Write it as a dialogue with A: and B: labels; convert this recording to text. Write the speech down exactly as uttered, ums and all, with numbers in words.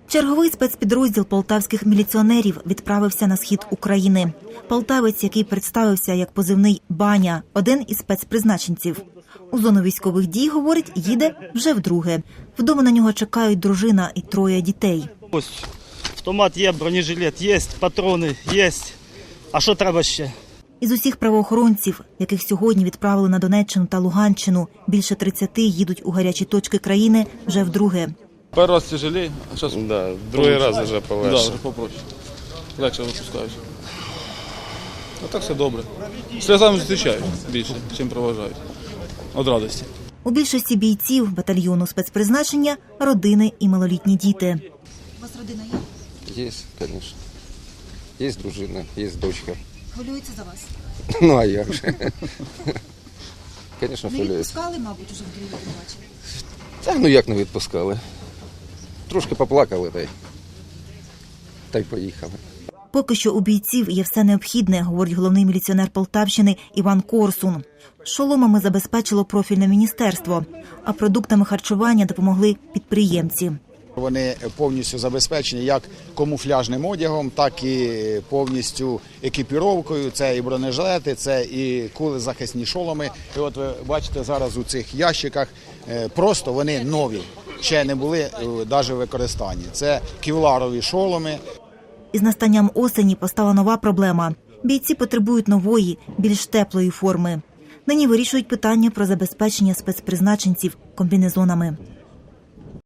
A: Черговий спецпідрозділ полтавських міліціонерів відправився на схід України. Полтавець, який представився як позивний «Баня», один із спецпризначенців. У зону військових дій, говорить, їде вже вдруге. Вдома на нього чекають дружина і троє дітей.
B: Ось автомат є, бронежилет є, патрони є. А що треба ще?
A: Із усіх правоохоронців, яких сьогодні відправили на Донеччину та Луганщину, більше тридцяти їдуть у гарячі точки країни вже вдруге.
C: Перший раз тяжелее, а зараз
D: да, другий раз вже полегше.
C: Да, вже попроще. Легше випускають. А так все добре. Сльозами зустрічають більше, чим проважають. Від радості.
A: У більшості бійців батальйону спецпризначення – родини і малолітні діти.
E: У вас родина є?
F: Є, звісно. Є дружина, є дочка.
E: Хвилюється за вас?
F: Ну, а як же? Звісно,
E: Не
F: хвилюється.
E: відпускали, мабуть, уже вдруге побачили?
F: Та ну як не відпускали. Трошки поплакали, та й, та й поїхали.
A: Поки що у бійців є все необхідне, говорить головний міліціонер Полтавщини Іван Корсун. Шоломами забезпечило профільне міністерство, а продуктами харчування допомогли підприємці.
G: Вони повністю забезпечені як камуфляжним одягом, так і повністю екіпіровкою. Це і бронежилети, це і кулезахисні шоломи. І от ви бачите зараз у цих ящиках, просто вони нові, ще не були навіть в використанні. Це кевларові шоломи.
A: Із настанням осені постала нова проблема. Бійці потребують нової, більш теплої форми. Нині вирішують питання про забезпечення спецпризначенців комбінезонами.